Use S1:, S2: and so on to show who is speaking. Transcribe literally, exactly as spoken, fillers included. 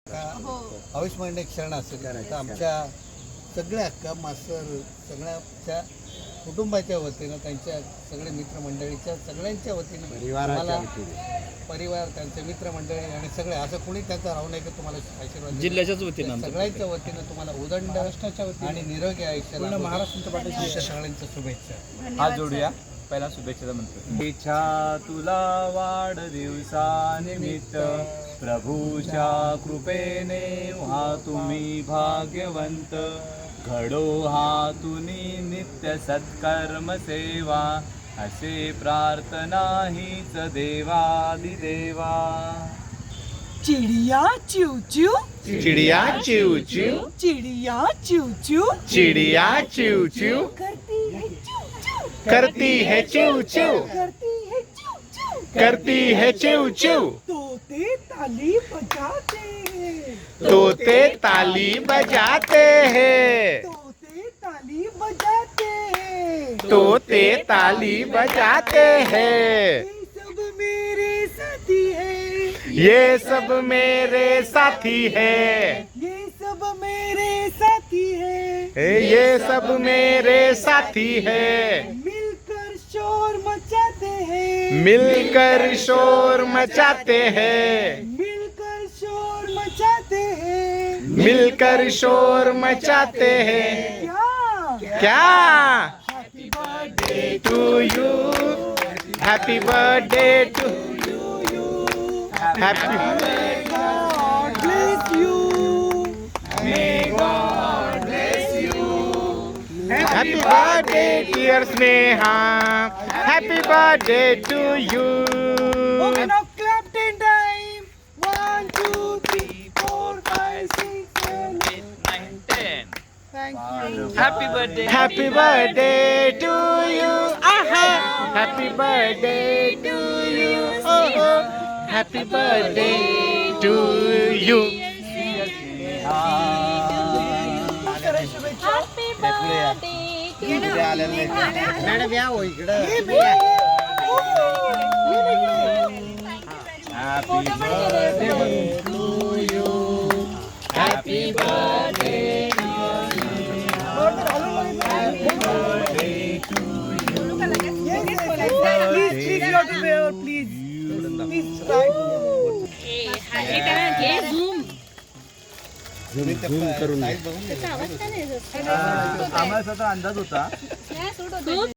S1: अविस्मरणीय क्षण असेल तर आमच्या सगळ्या अक्का मास्तर सगळ्याच्या कुटुंबाच्या वतीनं त्यांच्या सगळे मित्रमंडळीच्या सगळ्यांच्या वतीनं मला परिवार त्यांचे मित्रमंडळी आणि सगळे असं कोणी त्यांचा राहू नये की तुम्हाला आशीर्वाद
S2: जिल्ह्याच्याच वतीनं
S1: सगळ्यांच्या वतीनं तुम्हाला उदंड राष्ट्राच्या वतीनं आणि निरोगी आयुष्याला महाराष्ट्राच्या पाठीशी सगळ्यांच्या शुभेच्छा.
S2: हात जोडूया. पहिला शुभेच्छा म्हणतो. इच्छा तुला वाढदिवसानिमित्त प्रभूच्या कृपेने व्हा तुम्ही भाग्यवंत. घडो हातुनी नित्य सत्कर्म सेवा असे प्रार्थना हीच देवादिदेवा.
S3: चिड़िया चिव चिव
S4: चिड़िया चिव चिव
S3: चिड़िया चिव चिव
S4: चिड़िया चिव चिव
S3: करती है चिव चिव
S4: करती है चिव चिव
S3: करती है चिव
S4: करती है चिव
S3: चिव
S4: चिव.
S3: तोते ताली बजाते हैं
S4: तोते ताली बजाते हैं
S3: तोते ताली बजाते हैं
S4: तोते ताली बजाते हैं.
S3: ये सब मेरे साथी है
S4: ये सब मेरे साथी है
S3: ये सब मेरे साथी है
S4: ये सब मेरे साथी है.
S3: मिलकर शोर मचाते हैं
S4: मिलकर शोर मचाते हैं
S3: मिलकर शोर मचाते हैं
S4: मिलकर शोर मचाते हैं.
S3: क्या
S4: क्या
S3: happy birthday
S4: to you happy birthday to happy
S3: God bless you
S4: happy birthday dear Sneha happy birthday to you.
S3: Okay, now clap ten time. One, two, three, four, five, six, seven, eight,
S2: nine, ten.
S3: Thank you.
S2: Happy birthday.
S4: Happy birthday to you. Aha. Happy birthday to you. Oh, oh. Happy birthday to you.
S1: Madam या हो इकडं.
S4: Happy birthday to you. Happy birthday to you. Happy birthday to you.
S3: Yes, yes, yes. Please, please, you have to wear, please. Please, right.
S1: झूम करून
S2: आम्हाला त्याचा अंदाज होता.